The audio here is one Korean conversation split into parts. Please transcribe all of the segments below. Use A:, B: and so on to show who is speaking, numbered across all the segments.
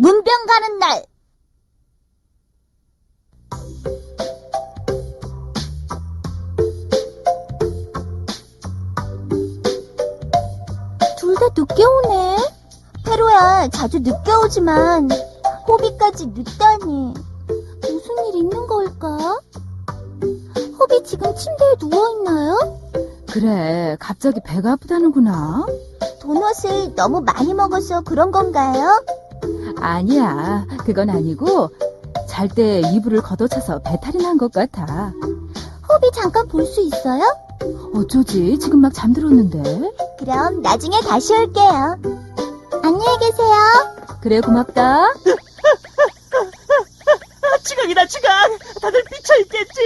A: 문병 가는 날. 둘 다 늦게 오네. 페로야, 자주 늦게 오지만 호비까지 늦다니. 무슨 일 있는 걸까? 호비 지금 침대에 누워있나요?
B: 그래, 갑자기 배가 아프다는구나.
A: 도넛을 너무 많이 먹어서 그런 건가요?
B: 아니야, 그건 아니고 잘 때 이불을 걷어차서 배탈이 난 것 같아.
A: 호비 잠깐 볼 수 있어요?
B: 어쩌지? 지금 막 잠들었는데.
A: 그럼 나중에 다시 올게요. 안녕히 계세요.
B: 그래, 고맙다.
C: 지각이다, 지각! 다들 미쳐있겠지?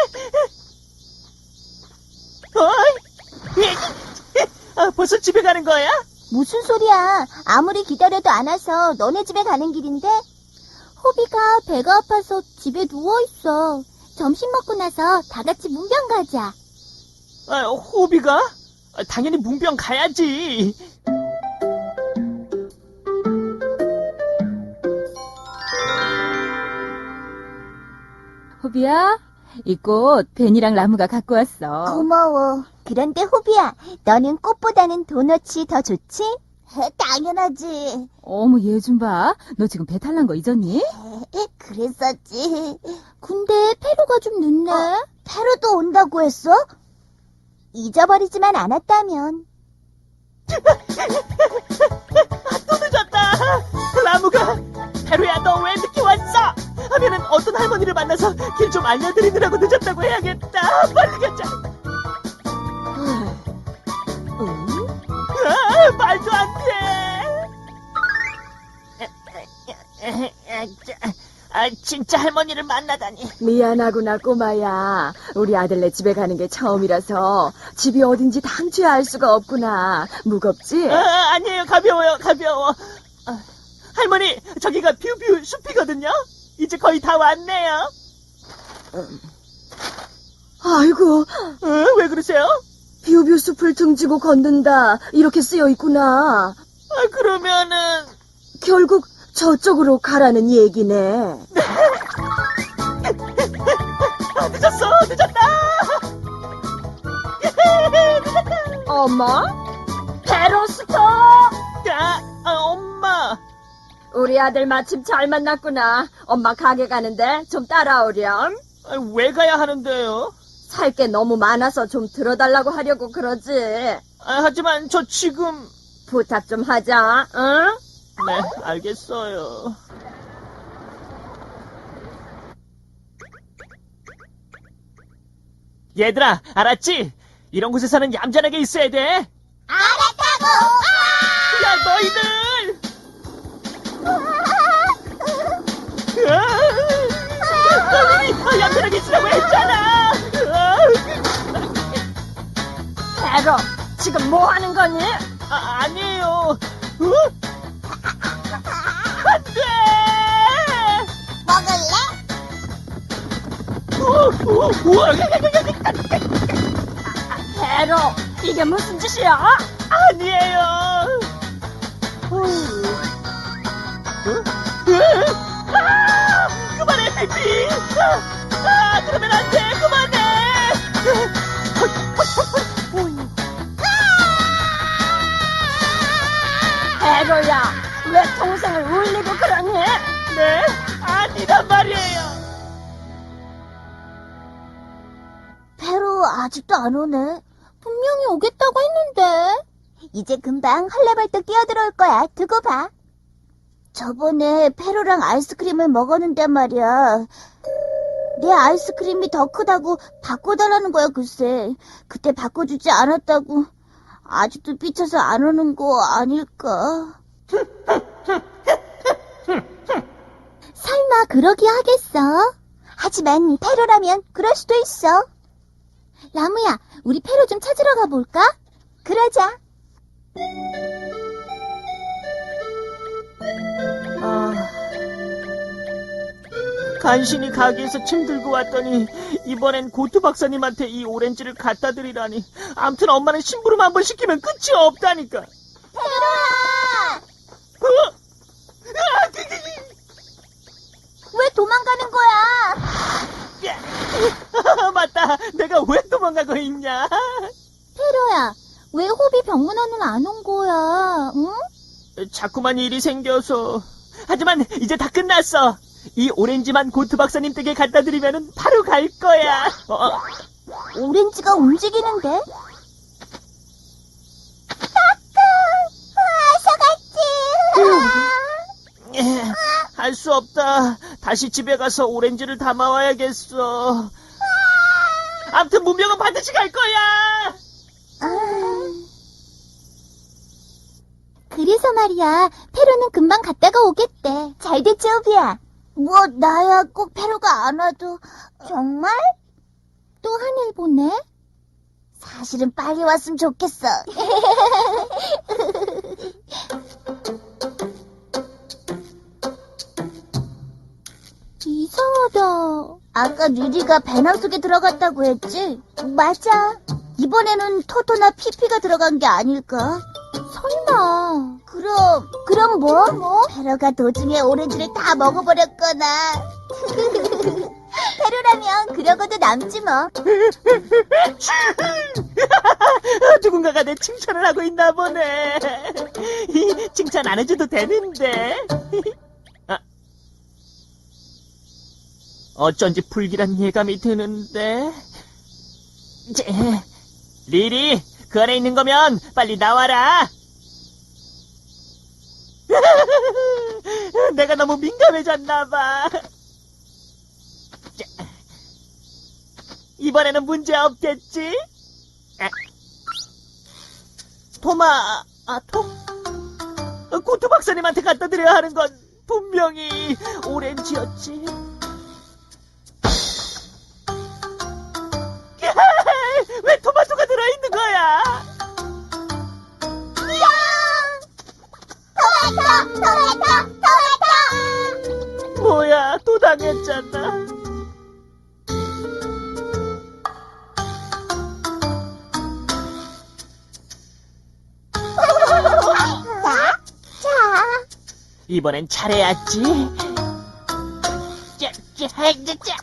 C: 벌써 집에 가는 거야?
A: 무슨 소리야. 아무리 기다려도 안 와서 너네 집에 가는 길인데. 호비가 배가 아파서 집에 누워있어. 점심 먹고 나서 다 같이 문병 가자.
C: 호비가? 당연히 문병 가야지.
B: 호비야, 이 꽃 벤이랑 라무가 갖고 왔어.
A: 고마워. 그런데 호비야, 너는 꽃보다는 도넛이 더 좋지? 당연하지.
B: 어머, 얘 좀 봐. 너 지금 배탈 난 거 잊었니?
A: 그랬었지. 근데 페로가 좀 늦네. 페로도 온다고 했어? 잊어버리지만 않았다면.
C: 또 늦었다. 라무가, 페루야, 너 왜 늦게 왔어? 하면은 어떤 할머니를 만나서 길 좀 알려드리느라고 늦었다고 해야겠다. 빨리 가자. 말도 안 돼. 진짜 할머니를 만나다니.
D: 미안하구나, 꼬마야. 우리 아들네 집에 가는 게 처음이라서 집이 어딘지 당초에 알 수가 없구나. 무겁지?
C: 아니에요. 가벼워요. 가벼워. 할머니, 저기가 뷰뷰 숲이거든요. 이제 거의 다 왔네요.
D: 아이고,
C: 왜 그러세요?
D: 뷰뷰 숲을 등지고 걷는다. 이렇게 쓰여 있구나.
C: 그러면은
D: 결국 저쪽으로 가라는 얘기네.
C: 늦었다.
D: 엄마? 페로스터!
C: 엄마.
D: 우리 아들 마침 잘 만났구나. 엄마 가게 가는데 좀 따라오렴.
C: 왜 가야 하는데요?
D: 살 게 너무 많아서 좀 들어달라고 하려고 그러지.
C: 하지만 저 지금...
D: 부탁 좀 하자, 응?
C: 네, 알겠어요. 얘들아, 알았지? 이런 곳에서는 얌전하게 있어야 돼.
A: 알았다고!
C: 야, 너희들! 너희들이 얌전하게 있으라고 했잖아!
D: 페로, 지금 뭐 하는 거니?
C: 아니에요. 안 돼!
A: 먹을래?
D: 페로, 이게 무슨 짓이야?
C: 아니에요. 그만해, 피피. 그러면 안 돼. 그만해.
D: 페로야, 왜 동생을 울리고 그러니?
C: 네? 아니란 말이에요.
A: 페로 아직도 안 오네. 분명히 오겠다고 했는데. 이제 금방 헐레벌떡 뛰어들어올 거야. 두고 봐. 저번에 페로랑 아이스크림을 먹었는데 말이야. 내 아이스크림이 더 크다고 바꿔달라는 거야, 글쎄. 그때 바꿔주지 않았다고. 아직도 삐쳐서 안 오는 거 아닐까? 설마 그러기 하겠어? 하지만 페로라면 그럴 수도 있어. 라무야, 우리 페로 좀 찾으러 가볼까? 그러자.
C: 간신히 가게에서 침 들고 왔더니 이번엔 고투 박사님한테 이 오렌지를 갖다 드리라니. 암튼 엄마는 심부름 한번 시키면 끝이 없다니까.
A: 페로야!
C: 어? 맞다. 내가 왜 도망가고 있냐?
A: 페로야, 왜 호비 병문안은 안 온 거야? 응?
C: 자꾸만 일이 생겨서. 하지만 이제 다 끝났어. 이 오렌지만 고트 박사님 댁에 갖다 드리면 바로 갈 거야.
A: 오렌지가 움직이는데?
C: 할 수 없다. 다시 집에 가서 오렌지를 담아와야겠어. 아무튼 문명은 반드시 갈 거야.
A: 그래서 말이야, 페로는 금방 갔다가 오겠대. 잘 됐지, 호비야? 뭐, 나야 꼭 페로가 안 와도. 정말? 또 하늘 보네? 사실은 빨리 왔으면 좋겠어. 이상하다. 아까 리리가 배낭 속에 들어갔다고 했지? 맞아. 이번에는 토토나 피피가 들어간 게 아닐까? 설마. 그럼 뭐? 페로가 도중에 오렌지를 다 먹어버렸거나. 페로라면 그러고도 남지 뭐.
C: 누군가가 내 칭찬을 하고 있나 보네. 칭찬 안 해줘도 되는데. 어쩐지 불길한 예감이 드는데. 리리, 그 안에 있는 거면 빨리 나와라. 내가 너무 민감해졌나봐. 이번에는 문제 없겠지? 고트 박사님한테 갖다 드려야 하는 건 분명히 오렌지였지. 왜 토마토가 들어있는 거야?
A: 토마토!
C: 뭐야, 또 당했잖아.
A: 자.
C: 이번엔 잘해야지. 자.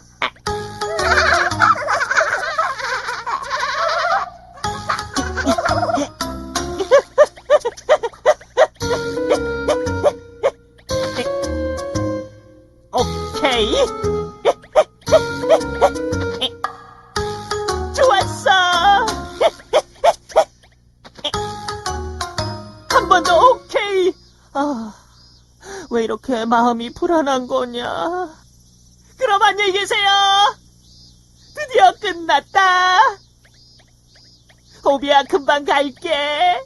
C: 오케이. 좋았어. 한 번 더 오케이. 왜 이렇게 마음이 불안한 거냐. 그럼 안녕히 계세요. 드디어 끝났다. 호비야, 금방 갈게.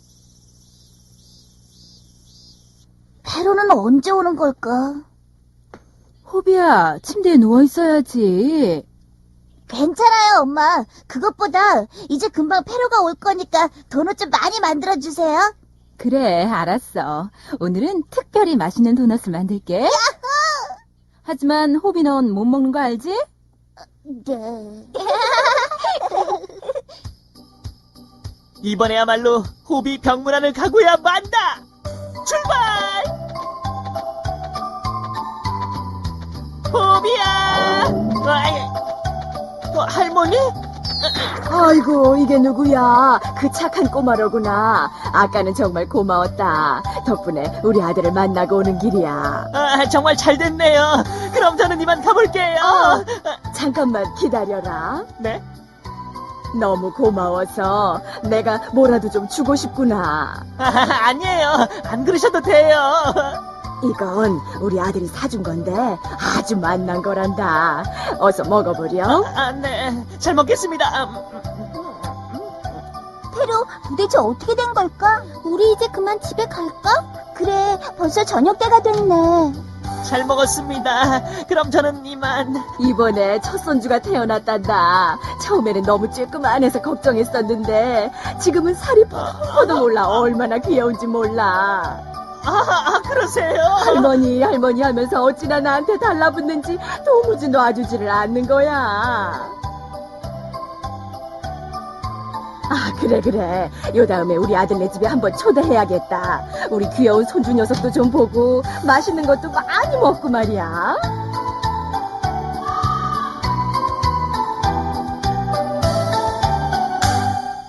A: 페로는 언제 오는 걸까?
B: 호비야, 침대에 누워 있어야지.
A: 괜찮아요, 엄마. 그것보다 이제 금방 페로가 올 거니까 도넛 좀 많이 만들어주세요.
B: 그래, 알았어. 오늘은 특별히 맛있는 도넛을 만들게. 하지만 호비 넌 못 먹는 거 알지?
A: 네.
C: 이번에야말로 호비 병문안을 가고야 만다. 출발! 호비야! 할머니?
D: 아이고, 이게 누구야? 그 착한 꼬마로구나. 아까는 정말 고마웠다. 덕분에 우리 아들을 만나고 오는 길이야.
C: 정말 잘 됐네요. 그럼 저는 이만 가볼게요.
D: 잠깐만 기다려라.
C: 네?
D: 너무 고마워서 내가 뭐라도 좀 주고 싶구나.
C: 아니에요. 안 그러셔도 돼요.
D: 이건 우리 아들이 사준 건데 아주 맛난 거란다. 어서 먹어보렴.
C: 네. 잘 먹겠습니다.
A: 페로, 도대체 어떻게 된 걸까? 우리 이제 그만 집에 갈까? 그래, 벌써 저녁 때가 됐네.
C: 잘 먹었습니다. 그럼 저는 이만.
D: 이번에 첫 손주가 태어났단다. 처음에는 너무 쬐끄만해서 걱정했었는데 지금은 살이 퍽퍽도 몰라. 얼마나 귀여운지 몰라.
C: 그러세요?
D: 할머니 하면서 어찌나 나한테 달라붙는지 도무지 놔주지를 않는 거야. 그래. 요 다음에 우리 아들네 집에 한번 초대해야겠다. 우리 귀여운 손주 녀석도 좀 보고 맛있는 것도 많이 먹고 말이야.